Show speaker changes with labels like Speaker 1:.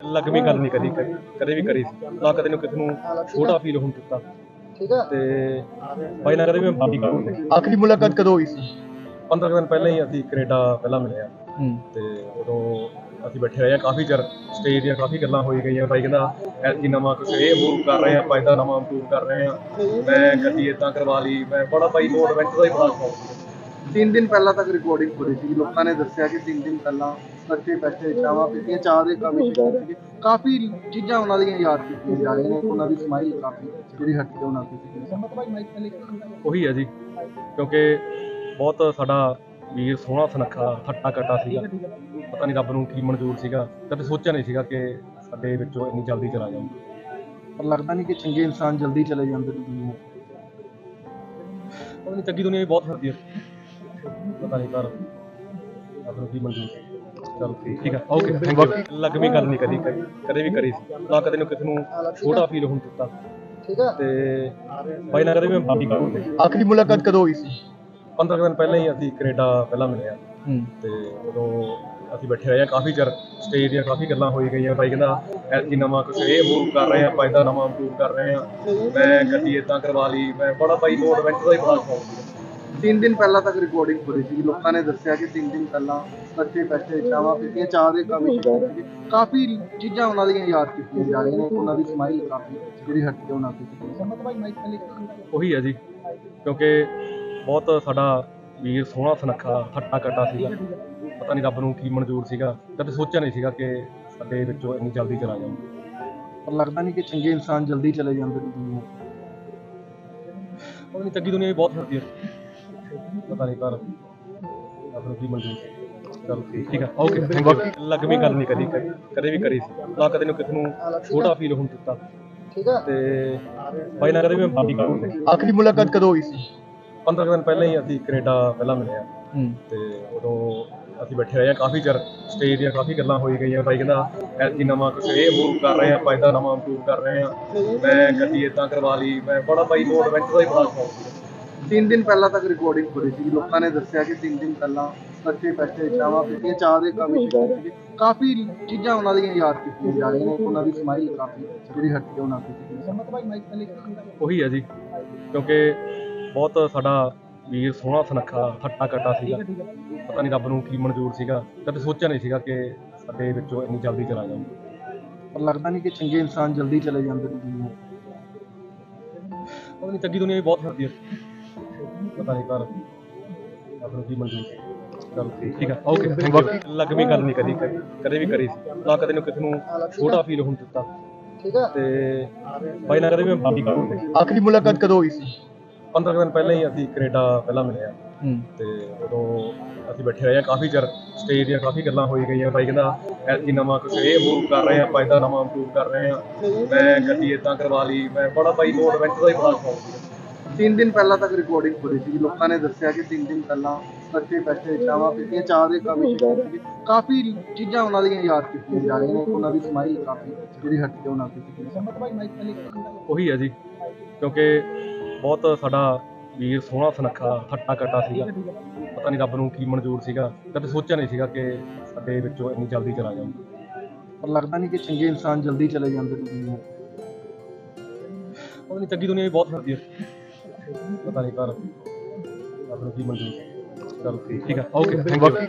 Speaker 1: ਲੱਗਵੀਂ ਗੱਲ ਨਹੀਂ ਕਦੇ ਵੀ ਕਰੀ ਸੀ ਨਾ ਕਦੇ ਨੂੰ ਕਿਸੇ ਨੂੰ ਛੋਟਾ ਫੀਲ ਹੋਣ ਦਿੱਤਾ।
Speaker 2: ਠੀਕ ਹੈ।
Speaker 1: ਤੇ ਬਾਈ ਨਾਲ ਕਦੇ ਵੀ ਮਾਫੀ ਕਰਾਂਗੇ।
Speaker 2: ਆਖਰੀ ਮੁਲਾਕਾਤ ਕਦੋਂ ਹੋਈ ਸੀ?
Speaker 1: 15 ਦਿਨ ਪਹਿਲਾਂ ਹੀ ਅਸੀਂ ਕੈਨੇਡਾ ਪਹਿਲਾਂ ਮਿਲੇ ਆ ਤੇ ਉਦੋਂ ਅਸੀਂ ਬੈਠੇ ਰਹੇ ਆ ਕਾਫੀ ਚਿਰ। ਸਟੇਜ ਦੀਆਂ ਕਾਫੀ ਗੱਲਾਂ ਹੋਈ ਗਈਆਂ। ਬਾਈ ਕਹਿੰਦਾ ਐਤਕੀ ਨਵਾਂ ਕੁਛ ਇਹ ਇੰਪਰੂਵ ਕਰ ਰਹੇ ਆ, ਆਪਾਂ ਇੱਦਾਂ ਨਵਾਂ ਇੰਪਰੂਵ ਕਰ ਰਹੇ ਆ। ਮੈਂ ਗੱਡੀ ਇੱਦਾਂ ਕਰਵਾ ਲਈ। ਮੈਂ ਬੜਾ ਬਾਈ ਨੂੰ ਐਡਵੈਂਚਰ ਦਾ ਹੀ ਬੜਾ ਸ਼ੌਕ ਸੀ।
Speaker 2: 3 ਦਿਨ ਪਹਿਲਾਂ ਤੱਕ ਰਿਕਾਰਡਿੰਗ ਹੋ ਰਹੀ ਸੀ। ਲੋਕਾਂ ਨੇ ਦੱਸਿਆ ਕਿ 3 ਦਿਨ ਪਹਿਲਾਂ ਇਕੱਠੇ ਬੈਠੇ ਚਾਹਾਂ ਪੀਤੀਆਂ, ਚਾਹ ਦੇ ਕੰਮ ਸ਼ੁਰੂ ਸੀਗੇ। ਕਾਫੀ ਚੀਜ਼ਾਂ ਉਹਨਾਂ ਦੀਆਂ ਯਾਦ ਕੀਤੀਆਂ ਜਾ ਰਹੀਆਂ ਨੇ। ਉਹਨਾਂ ਦੀ ਸਮਾਈਲ ਕਾਫੀ ਜਿਹੜੀ ਹਟ ਕੇ ਉਹਨਾਂ ਦੀ
Speaker 1: ਉਹੀ ਹੈ ਜੀ, ਕਿਉਂਕਿ ਬਹੁਤ ਸਾਡਾ ਵੀਰ ਸੋਹਣਾ ਸੁਨੱਖਾ ਹੱਟਾ ਕੱਟਾ ਸੀਗਾ। ਪਤਾ ਨਹੀਂ ਰੱਬ ਨੂੰ ਕੀ ਮਨਜ਼ੂਰ ਸੀਗਾ। ਕਦੇ ਸੋਚਿਆ ਨਹੀਂ ਸੀਗਾ ਕਿ ਸਾਡੇ ਵਿੱਚੋਂ ਇੰਨੀ ਜਲਦੀ ਚਲਾ ਜਾਊਗਾ।
Speaker 2: ਪਰ ਲੱਗਦਾ ਨਹੀਂ ਕਿ ਚੰਗੇ ਇਨਸਾਨ ਜਲਦੀ ਚਲੇ ਜਾਂਦੇ ਨੇ ਦੁਨੀਆ ਤੋਂ।
Speaker 1: ਪਤਾ ਨਹੀਂ ਚੰਗੀ ਦੁਨੀਆ ਵੀ ਬਹੁਤ ਫਿਰਦੀ ਹੈ। ਪਤਾ ਨਹੀਂ ਪਰ ਰੱਬ ਨੂੰ ਕੀ ਮਨਜ਼ੂਰ ਸੀ। ਚਲ ਠੀਕ ਹੈ, ਓਕੇ ਥੈਂਕ ਯੂ। ਲੱਗਵੀਂ ਗੱਲ ਨਹੀਂ ਕਦੇ ਵੀ ਕਰੀ ਸੀ ਨਾ ਕਦੇ ਨੂੰ ਕਿਸੇ ਨੂੰ ਛੋਟਾ ਫੀਲ ਹੋਣ ਦਿੱਤਾ।
Speaker 2: ਠੀਕ ਹੈ।
Speaker 1: ਤੇ ਬਾਈ ਨਾਲ ਕਦੇ ਵੀ ਮਾਫੀ ਕਰਾਂਗੇ।
Speaker 2: ਆਖਰੀ ਮੁਲਾਕਾਤ ਕਦੋਂ ਹੋਈ ਸੀ?
Speaker 1: 15 ਦਿਨ ਪਹਿਲਾਂ ਹੀ ਅਸੀਂ ਕੈਨੇਡਾ ਪਹਿਲਾਂ ਮਿਲੇ ਆ ਤੇ ਉਦੋਂ ਅਸੀਂ ਬੈਠੇ ਰਹੇ ਆ ਕਾਫੀ ਚਿਰ। ਸਟੇਜ ਦੀਆਂ ਕਾਫੀ ਗੱਲਾਂ ਹੋਈ ਗਈਆਂ। ਬਾਈ ਕਹਿੰਦਾ ਐਤਕੀ ਨਵਾਂ ਕੁਛ ਇਹ ਇੰਪਰੂਵ ਕਰ ਰਹੇ ਆ, ਆਪਾਂ ਇੱਦਾਂ ਨਵਾਂ ਇੰਪਰੂਵ ਕਰ ਰਹੇ ਆ। ਮੈਂ ਗੱਡੀ ਇੱਦਾਂ ਕਰਵਾ ਲਈ। ਮੈਂ ਬੜਾ ਬਾਈ ਨੂੰ ਐਡਵੈਂਚਰ ਦਾ ਹੀ ਬੜਾ ਸ਼ੌਕ ਸੀ।
Speaker 2: 3 ਦਿਨ ਪਹਿਲਾਂ ਤੱਕ ਰਿਕਾਰਡਿੰਗ ਹੋ ਰਹੀ ਸੀ। ਲੋਕਾਂ ਨੇ ਦੱਸਿਆ ਕਿ 3 ਦਿਨ ਪਹਿਲਾਂ ਇਕੱਠੇ ਬੈਠੇ ਚਾਹਾਂ ਪੀਤੀਆਂ, ਚਾਹ ਦੇ ਕੰਮ ਸ਼ੁਰੂ ਸੀਗੇ। ਕਾਫੀ ਚੀਜ਼ਾਂ ਉਹਨਾਂ ਦੀਆਂ ਯਾਦ ਕੀਤੀਆਂ ਜਾ ਰਹੀਆਂ ਨੇ। ਉਹਨਾਂ ਦੀ ਸਮਾਈਲ ਕਾਫੀ ਜਿਹੜੀ ਹਟ ਕੇ ਉਹਨਾਂ ਦੀ
Speaker 1: ਉਹੀ ਹੈ ਜੀ, ਕਿਉਂਕਿ ਬਹੁਤ ਸਾਡਾ ਵੀਰ ਸੋਹਣਾ ਸੁਨੱਖਾ ਹੱਟਾ ਕੱਟਾ ਸੀਗਾ। ਪਤਾ ਨਹੀਂ ਰੱਬ ਨੂੰ ਕੀ ਮਨਜ਼ੂਰ ਸੀਗਾ। ਕਦੇ ਸੋਚਿਆ ਨਹੀਂ ਸੀਗਾ ਕਿ ਸਾਡੇ ਵਿੱਚੋਂ ਇੰਨੀ ਜਲਦੀ ਚਲਾ ਜਾਊਗਾ।
Speaker 2: ਪਰ ਲੱਗਦਾ ਨਹੀਂ ਕਿ ਚੰਗੇ ਇਨਸਾਨ ਜਲਦੀ ਚਲੇ ਜਾਂਦੇ ਨੇ ਦੁਨੀਆ ਤੋਂ।
Speaker 1: ਪਤਾ ਨਹੀਂ ਚੰਗੀ ਦੁਨੀਆ ਵੀ ਬਹੁਤ ਫਿਰਦੀ ਹੈ। ਪਤਾ ਨਹੀਂ ਪਰ ਰੱਬ ਨੂੰ ਕੀ ਮਨਜ਼ੂਰ ਸੀ। ਚਲ ਠੀਕ ਹੈ, ਓਕੇ ਥੈਂਕ ਯੂ। ਲੱਗਵੀਂ ਗੱਲ ਨਹੀਂ ਕਦੇ ਵੀ ਕਰੀ ਸੀ ਨਾ ਕਦੇ ਨੂੰ ਕਿਸੇ ਨੂੰ ਛੋਟਾ ਫੀਲ ਹੋਣ ਦਿੱਤਾ।
Speaker 2: ਠੀਕ ਹੈ।
Speaker 1: ਤੇ ਬਾਈ ਨਾਲ ਕਦੇ ਵੀ ਮਾਫੀ ਕਰਾਂਗੇ।
Speaker 2: ਆਖਰੀ ਮੁਲਾਕਾਤ ਕਦੋਂ ਹੋਈ ਸੀ?
Speaker 1: 15 ਦਿਨ ਪਹਿਲਾਂ ਹੀ ਅਸੀਂ ਕੈਨੇਡਾ ਪਹਿਲਾਂ ਮਿਲੇ ਆ ਤੇ ਉਦੋਂ ਅਸੀਂ ਬੈਠੇ ਰਹੇ ਆ ਕਾਫੀ ਚਿਰ। ਸਟੇਜ ਦੀਆਂ ਕਾਫੀ ਗੱਲਾਂ ਹੋਈ ਗਈਆਂ। ਬਾਈ ਕਹਿੰਦਾ ਐਤਕੀ ਨਵਾਂ ਕੁਛ ਇਹ ਇੰਪਰੂਵ ਕਰ ਰਹੇ ਆ, ਆਪਾਂ ਇੱਦਾਂ ਨਵਾਂ ਇੰਪਰੂਵ ਕਰ ਰਹੇ ਆ। ਮੈਂ ਗੱਡੀ ਇੱਦਾਂ ਕਰਵਾ ਲਈ। ਮੈਂ ਬੜਾ ਬਾਈ ਨੂੰ ਐਡਵੈਂਚਰ ਦਾ ਹੀ ਬੜਾ ਸ਼ੌਕ ਸੀ।
Speaker 2: 3 ਦਿਨ ਪਹਿਲਾਂ ਤੱਕ ਰਿਕਾਰਡਿੰਗ ਹੋ ਰਹੀ ਸੀ। ਲੋਕਾਂ ਨੇ ਦੱਸਿਆ ਕਿ 3 ਦਿਨ ਪਹਿਲਾਂ ਇਕੱਠੇ ਬੈਠੇ ਚਾਹਾਂ ਪੀਤੀਆਂ, ਚਾਹ ਦੇ ਕੰਮ ਸ਼ੁਰੂ ਸੀਗੇ। ਕਾਫੀ ਚੀਜ਼ਾਂ ਉਹਨਾਂ ਦੀਆਂ ਯਾਦ ਕੀਤੀਆਂ ਜਾ ਰਹੀਆਂ ਨੇ। ਉਹਨਾਂ ਦੀ ਸਮਾਈਲ ਕਾਫੀ ਜਿਹੜੀ ਹਟ ਕੇ ਉਹਨਾਂ ਦੀ
Speaker 1: ਉਹੀ ਹੈ ਜੀ, ਕਿਉਂਕਿ ਬਹੁਤ ਸਾਡਾ ਵੀਰ ਸੋਹਣਾ ਸੁਨੱਖਾ ਹੱਟਾ ਕੱਟਾ ਸੀਗਾ। ਪਤਾ ਨਹੀਂ ਰੱਬ ਨੂੰ ਕੀ ਮਨਜ਼ੂਰ ਸੀਗਾ। ਕਦੇ ਸੋਚਿਆ ਨਹੀਂ ਸੀਗਾ ਕਿ ਸਾਡੇ ਵਿੱਚੋਂ ਇੰਨੀ ਜਲਦੀ ਚਲਾ ਜਾਊਗਾ।
Speaker 2: ਪਰ ਲੱਗਦਾ ਨਹੀਂ ਕਿ ਚੰਗੇ ਇਨਸਾਨ ਜਲਦੀ ਚਲੇ ਜਾਂਦੇ ਨੇ ਦੁਨੀਆ ਤੋਂ।
Speaker 1: ਪਤਾ ਨਹੀਂ ਚੰਗੀ ਦੁਨੀਆ ਵੀ ਬਹੁਤ ਫਿਰਦੀ ਹੈ। ਪਤਾ ਨਹੀਂ ਪਰ ਰੱਬ ਨੂੰ ਕੀ ਮਨਜ਼ੂਰ ਸੀ। ਚਲ ਠੀਕ ਹੈ, ਓਕੇ ਥੈਂਕ ਯੂ। ਲੱਗਵੀਂ ਗੱਲ ਨਹੀਂ ਕਦੇ ਵੀ ਕਰੀ ਸੀ ਨਾ ਕਦੇ ਨੂੰ ਕਿਸੇ ਨੂੰ ਛੋਟਾ ਫੀਲ ਹੋਣ ਦਿੱਤਾ।
Speaker 2: ਠੀਕ ਹੈ।
Speaker 1: ਤੇ ਬਾਈ ਨਾਲ ਕਦੇ ਵੀ ਮਾਫੀ ਕਰਾਂਗੇ।
Speaker 2: ਆਖਰੀ ਮੁਲਾਕਾਤ ਕਦੋਂ ਹੋਈ ਸੀ?
Speaker 1: 15 ਦਿਨ ਪਹਿਲਾਂ ਹੀ ਅਸੀਂ ਕੈਨੇਡਾ ਪਹਿਲਾਂ ਮਿਲੇ ਆ ਤੇ ਉਦੋਂ ਅਸੀਂ ਬੈਠੇ ਰਹੇ ਆ ਕਾਫੀ ਚਿਰ। ਸਟੇਜ ਦੀਆਂ ਕਾਫੀ ਗੱਲਾਂ ਹੋਈ ਗਈਆਂ। ਬਾਈ ਕਹਿੰਦਾ ਐਤਕੀ ਨਵਾਂ ਕੁਛ ਇਹ ਇੰਪਰੂਵ ਕਰ ਰਹੇ ਆ, ਆਪਾਂ ਇੱਦਾਂ ਨਵਾਂ ਇੰਪਰੂਵ ਕਰ ਰਹੇ ਆ। ਮੈਂ ਗੱਡੀ ਇੱਦਾਂ ਕਰਵਾ ਲਈ। ਮੈਂ ਬੜਾ ਬਾਈ ਨੂੰ ਐਡਵੈਂਚਰ ਦਾ ਹੀ ਬੜਾ ਸ਼ੌਕ ਸੀ।
Speaker 2: 3 ਦਿਨ ਪਹਿਲਾਂ ਤੱਕ ਰਿਕਾਰਡਿੰਗ ਹੋ ਰਹੀ ਸੀ। ਲੋਕਾਂ ਨੇ ਦੱਸਿਆ ਕਿ 3 ਦਿਨ ਪਹਿਲਾਂ ਇਕੱਠੇ ਬੈਠੇ ਚਾਹਾਂ ਪੀਤੀਆਂ, ਚਾਹ ਦੇ ਕੰਮ ਸ਼ੁਰੂ ਸੀਗੇ। ਕਾਫੀ ਚੀਜ਼ਾਂ ਉਹਨਾਂ ਦੀਆਂ ਯਾਦ ਕੀਤੀਆਂ ਜਾ ਰਹੀਆਂ ਨੇ। ਉਹਨਾਂ ਦੀ ਸਮਾਈਲ ਕਾਫੀ ਜਿਹੜੀ ਹਟ ਕੇ ਉਹਨਾਂ ਦੀ
Speaker 1: ਉਹੀ ਹੈ ਜੀ, ਕਿਉਂਕਿ ਬਹੁਤ ਸਾਡਾ ਵੀਰ ਸੋਹਣਾ ਸੁਨੱਖਾ ਹੱਟਾ ਕੱਟਾ ਸੀਗਾ। ਪਤਾ ਨਹੀਂ ਰੱਬ ਨੂੰ ਕੀ ਮਨਜ਼ੂਰ ਸੀਗਾ। ਕਦੇ ਸੋਚਿਆ ਨਹੀਂ ਸੀਗਾ ਕਿ ਸਾਡੇ ਵਿੱਚੋਂ ਇੰਨੀ ਜਲਦੀ ਚਲਾ ਜਾਊਗਾ।
Speaker 2: ਪਰ ਲੱਗਦਾ ਨਹੀਂ ਕਿ ਚੰਗੇ ਇਨਸਾਨ ਜਲਦੀ ਚਲੇ ਜਾਂਦੇ ਨੇ ਦੁਨੀਆ ਤੋਂ।
Speaker 1: ਪਤਾ ਨਹੀਂ ਚੰਗੀ ਦੁਨੀਆ ਵੀ ਬਹੁਤ ਫਿਰਦੀ ਹੈ। ਪਤਾ ਨਹੀਂ ਪਰ ਰੱਬ ਨੂੰ ਕੀ ਮਨਜ਼ੂਰ ਸੀ। ਚਲ ਠੀਕ ਹੈ, ਓਕੇ ਥੈਂਕ ਯੂ।